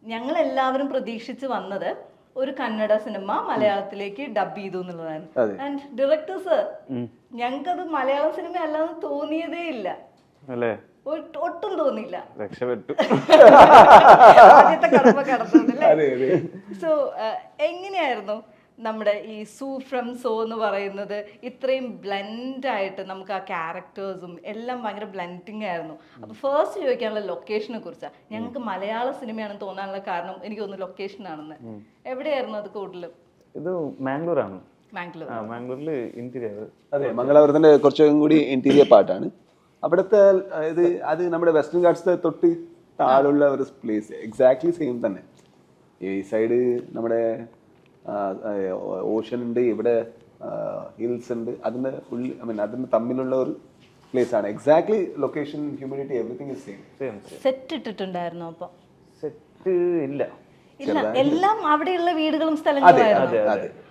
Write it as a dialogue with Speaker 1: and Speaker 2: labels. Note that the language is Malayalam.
Speaker 1: ഞങ്ങൾ എല്ലാവരും പ്രതീക്ഷിച്ച് വന്നത് ഒരു കന്നഡ സിനിമ മലയാളത്തിലേക്ക് ഡബ് ചെയ്തു എന്നുള്ളതാണ്. ആൻഡ് ഡയറക്ടർ സർ, ഞങ്ങൾക്കത് മലയാളം സിനിമ അല്ലാന്ന് തോന്നിയതേ ഇല്ല, ഒട്ടും തോന്നിയില്ല.
Speaker 2: രക്ഷപ്പെട്ടു.
Speaker 1: ആദ്യത്തെ കടമ്പ കടന്നല്ലേ. സോ എങ്ങനെയായിരുന്നു നമ്മുടെ ഈ സൂ ഫ്രം സോ എന്ന് പറയുന്നത്? ഇത്രയും ബ്ലെൻഡ് ആയിട്ട് നമുക്ക് ആ ക്യാരക്ടേഴ്സും എല്ലാം ഭയങ്കര ബ്ലെൻഡിങ് ആയിരുന്നു. അപ്പൊ ഫസ്റ്റ് ചോദിക്കാനുള്ള ലൊക്കേഷനെ കുറിച്ചാണ്. ഞങ്ങൾക്ക് മലയാള സിനിമയാണെന്ന് തോന്നാനുള്ള കാരണം എനിക്ക് തോന്നുന്നു ലൊക്കേഷൻ ആണെന്ന്. എവിടെയായിരുന്നു അത് കൂടുതലും?
Speaker 2: ഇത് മാംഗ്ലൂരാണ്.
Speaker 1: മാംഗ്ലൂരിൽ
Speaker 2: ഇന്റീരിയർ.
Speaker 3: അതെ, മംഗലാപുരത്തിന്റെ കുറച്ചും കൂടി ഇന്റീരിയർ പാർട്ടാണ്. അവിടുത്തെ അത് നമ്മുടെ വെസ്റ്റേൺ ഗാർഡ്സ് തൊട്ട് താഴെയുള്ള ഒരു പ്ലേസ് എക്സാക്ട്ലി സെയിം തന്നെ. ഈ സൈഡ് നമ്മുടെ ഓഷൻ ഉണ്ട്, ഇവിടെ ഹിൽസ് ഉണ്ട്. അതിന് അതിന് തമ്മിലുള്ള ഒരു പ്ലേസ് ആണ്. Exactly location, humidity, everything is same.
Speaker 1: Set ഇട്ടിട്ടുണ്ടായിരുന്നു? അപ്പൊ
Speaker 2: സെറ്റ് ഇല്ല,
Speaker 1: എല്ലാം അവിടെയുള്ള വീടുകളും സ്ഥലങ്ങളും.